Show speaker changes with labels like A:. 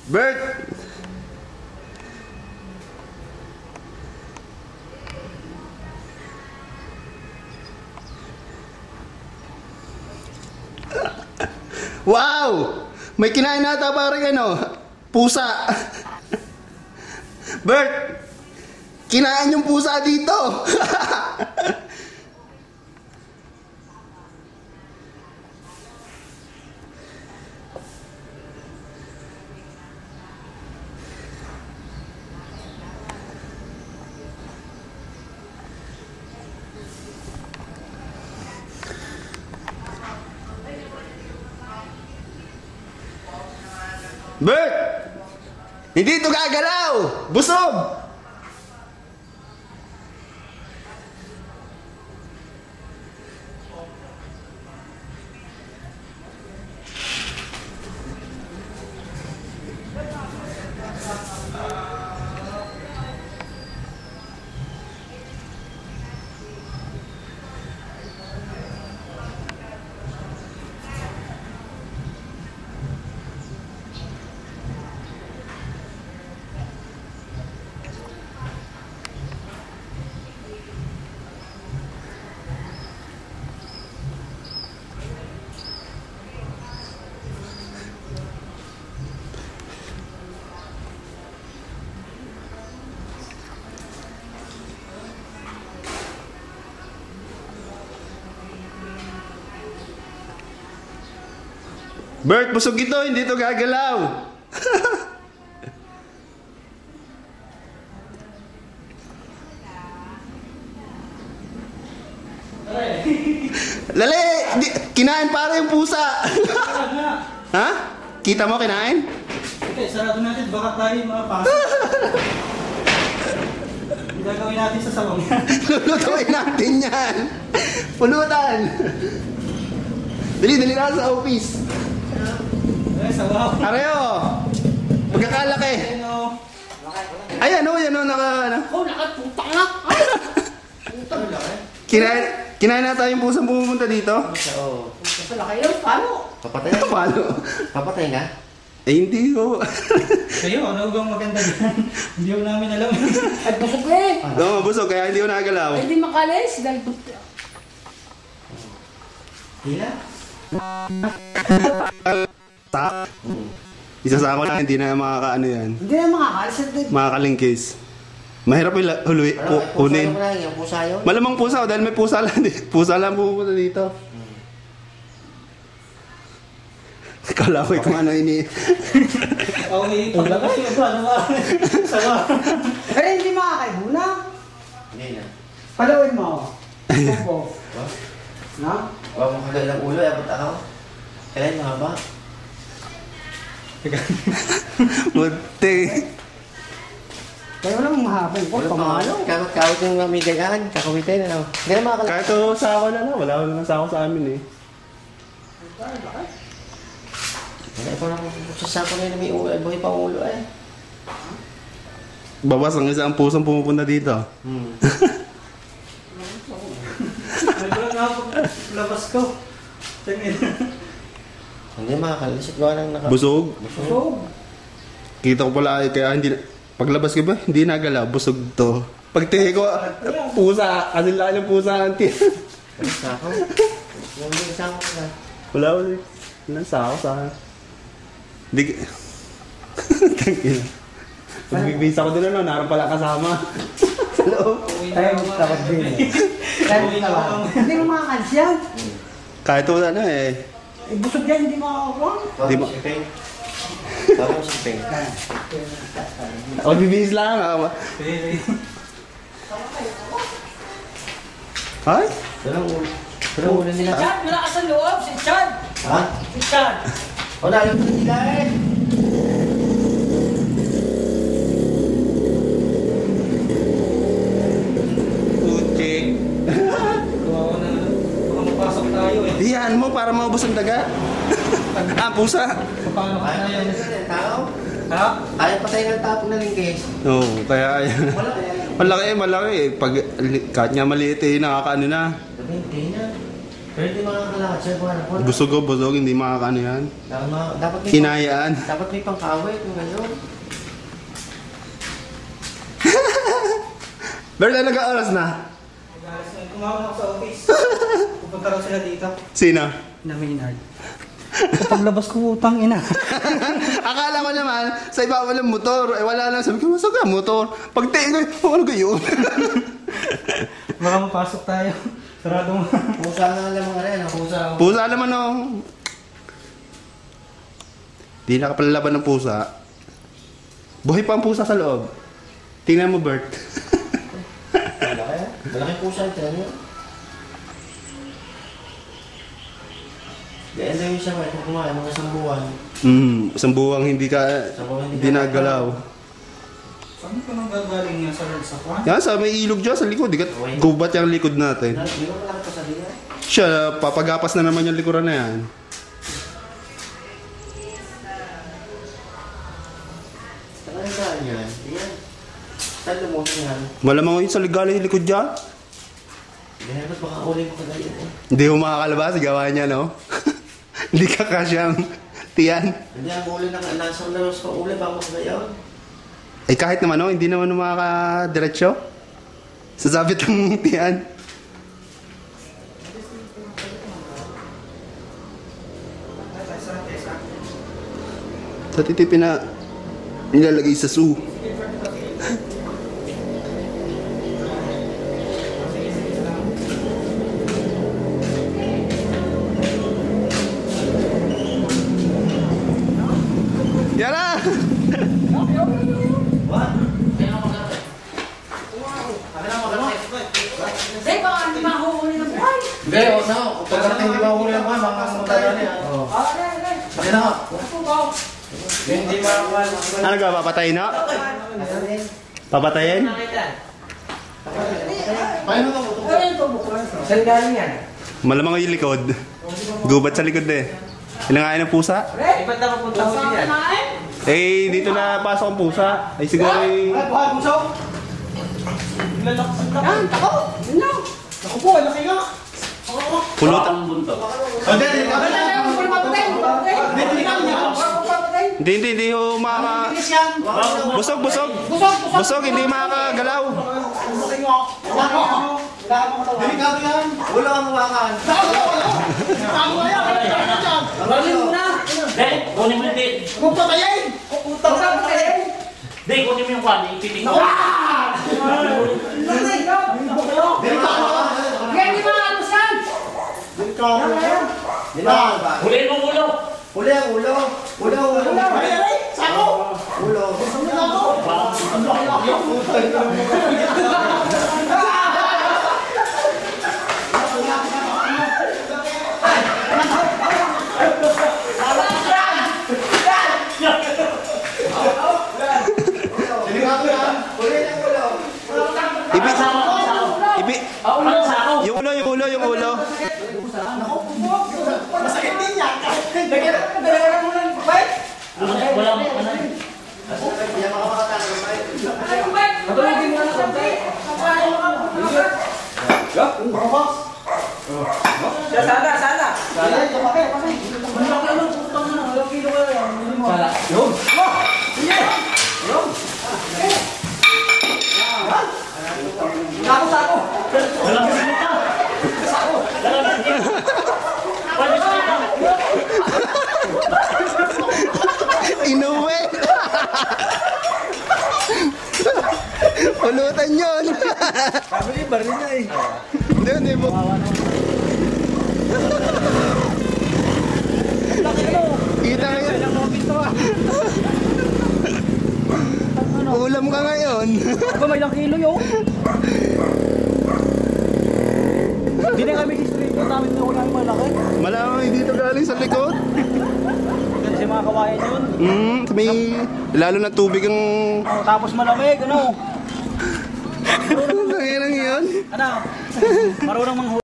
A: Bert! Wow! May kinain nata parang ano, pusa. Bert! Kinain yung pusa dito! Bert! Hindi ito gagalaw! Busog! Bert, busog ito, hindi ito gagalaw. Lali, kinain para yung pusa. Ha? Kita mo kinain?
B: Okay, sarado natin, baka tayo makapasok. Gagawin natin sa salong yan.
A: Lulutuin natin yan. Pulutan. Dali na sa office.
B: Ay, sabaw.
A: Areo! Pagkakalaki. Ay, ano, yan o,
C: Oh, nakatutak na.
A: Kinain na tayong pusang pumunta dito?
D: Oo.
C: Sa laki yun, paano?
D: Papatay na.
A: Paano?
D: Papatay na?
A: Eh, hindi ko.
B: Kayo, ano bang maganda dyan? Hindi ko namin alam.
C: Ay, busog eh.
A: Oo, busog, kaya hindi ko nagalaw.
C: Ay, hindi makalis. Dahil
D: Hila?
A: Tak. Isasako lang, hindi na makakaano yan.
C: hindi na makakalis.
A: Makakalingkis. Mahirap yung kunin.
D: Pusa naman yung pusa yun?
A: Malamang pusa, dahil may pusa lang. Pusa lang pupunta dito. Kala ko kung ano ini.
B: Okay, paglabas yung iba, ano ba? Sabaw.
C: Pero hindi makakaibuna.
D: Hindi na.
C: Palawin mo. Opo. Na?
D: Huwag mo kagay ng ulo, abot ako. Kailan mahaba?
A: Buti.
C: Kaya walang mahapin ko.
D: Ulo pa
C: Pamalo.
D: Kawit yung mamigagaan, kakawitin na lang. Hindi na makakala.
A: Kahit ito sako na lang, wala naman sako sa amin eh.
D: Wala ko lang sasako na may ulo, buhay pa ulo eh.
A: Babas ang isang pusang pumupunta dito.
B: Nagulong nga paglabas ko. Tingin.
D: Hindi makakalisip ko ng naka...
A: Busog?
C: Busog.
A: Kita ko pala kaya hindi paglabas ko ba, hindi nagalaw, busog to. Pagtingin ko, pusa, kasi laki ng pusa ng tiyan.
D: Sako? Yung hindi sako na.
A: Wala sako sa akin. Hindi Tangina. Pagbibisa ko din ano, naroon pala kasama. Sa loob.
C: Tayo takot din eh. Hindi mo makakalis yan.
A: Kahit wala na eh.
C: Eh, busog yan, hindi makakakuha.
A: Di ba?
D: Tawag si Peng.
A: Magbibihis lang ako. Ay?
D: Pero ulo nila.
C: Chad, wala ka sa loob. Si Chad.
D: Ha?
C: Si Chad.
D: O nalang ko nila eh.
A: Putik.
B: Kawawa na. Baka mapasok tayo eh.
A: Iyan mo para maubos ang daga. Pusa.
B: Paano ka
D: Kaya
B: na yan?
D: tao?
B: Ha?
D: Kaya patay ng tapo na lingkis.
A: Oo, kaya yan.
D: Wala kaya.
A: Malaki eh. Pag kahit nga maliit eh, nakakaano na.
D: Hindi na. Pero hindi makakalakad siya. Wala.
A: Busog o busog, hindi makakaano yan.
D: Dapat may
A: Hinayaan.
D: Dapat may pangkawit kung gano'n.
A: Bert, ano oras na?
B: Kumawag ako sa office. Pupunta raw sila dito.
A: Sino?
B: Na Maynard. Paglabas ko, utang ina.
A: Akala ko naman, sa iba walang motor. Eh wala lang. Sabi ko, masa ka motor? Pag tingin ko, ano kayo?
B: Baka mapasok tayo. Sarado mo.
D: Pusa na lang mga rin. Pusa.
A: Pusa naman oh. Di nakapalalaban ng pusa. Buhay pa ang pusa sa loob. Tingnan mo, Bert.
D: Malaking pusa ito. Ano yun? Gaya na yung siya kung kumain, mga isang buwan.
A: Isang buwang hindi nagalaw.
B: Saan ka nang gagaling nga sa Lord sa kwan?
A: Yan, sa may ilog dyan, sa likod. Di ka gubat yung likod natin.
D: Hindi mo malaki pa sa dila.
A: Siya, papagapas na naman yung likuran na yan.
D: Saan ang daan yan? Yan. Saan lumos yan?
A: Malamang yun sa ligaling yung likod dyan.
D: Ganyan ba't baka uli mo kagayon eh?
A: Hindi mo makakalabas, gawa niya, no? Hindi ka kasyang tiyan.
D: Hindi ang uli na nasang lalos pa uli bago kagayon.
A: Eh kahit naman, no? Hindi naman makakadiretso. Sasabit ang tiyan. Sa titipin na nilalagay sa zoo. Yara!
C: Hindi, baka hindi mahuhuli ng buhay.
D: Hindi, o na. Pagkarating di ba uli ang mga magdadali yan? Oo. Bakit na nga? Hindi makakuha.
A: Ano ka, papatayin na? Papatayin?
D: Paano ka mo?
C: Saan galing yan?
A: Malamang yung likod. Gubat sa likod eh. Ilangain ng pusa?
B: Iba't na mapunta ko din yan.
A: Eh, dito na pasok ang pusa. Ay siguro eh.
B: Buhay, pusok! Lalaks ang laki.
C: Yan, ako! Yun lang!
B: Ako po, laki nga.
A: Pulot. Hindi ho makaka... Busog. Busog, hindi makakagalaw.
B: Delikado yan.
D: Wala kang mawakan.
C: Kunin mo na!
E: Hindi, kunin mo hindi.
B: Huwag patayin!
C: Utang na ba kayo?
E: Hindi, kunin mo yung kwan, ipitik mo.
C: Yan, di ba ano saan?
E: Huliin mo ulo.
D: Uli ang ulo. Ulo.
B: Sako!
D: Ulo.
A: Yung ulo.
B: Masakit din yan.
E: Wala mo ka na.
C: Matulogin mo na konti. Sana. Sako.
E: Wala mo ka.
A: Inuwi. Pulutan yun.
B: Sabi ni Barry niya eh.
A: Hindi mo. Kita nga yun. Ulam ka ngayon.
B: Aba, may ilang kilo yun. Hindi na kami history ko. Namin na ulang malaki.
A: Malamang dito galing sa likod.
B: Kasi mga kawayan yun.
A: May lalo na tubig ang...
B: Oh, tapos malamig, ano?
A: Ang yun.
B: Ano? Marunong manghuli.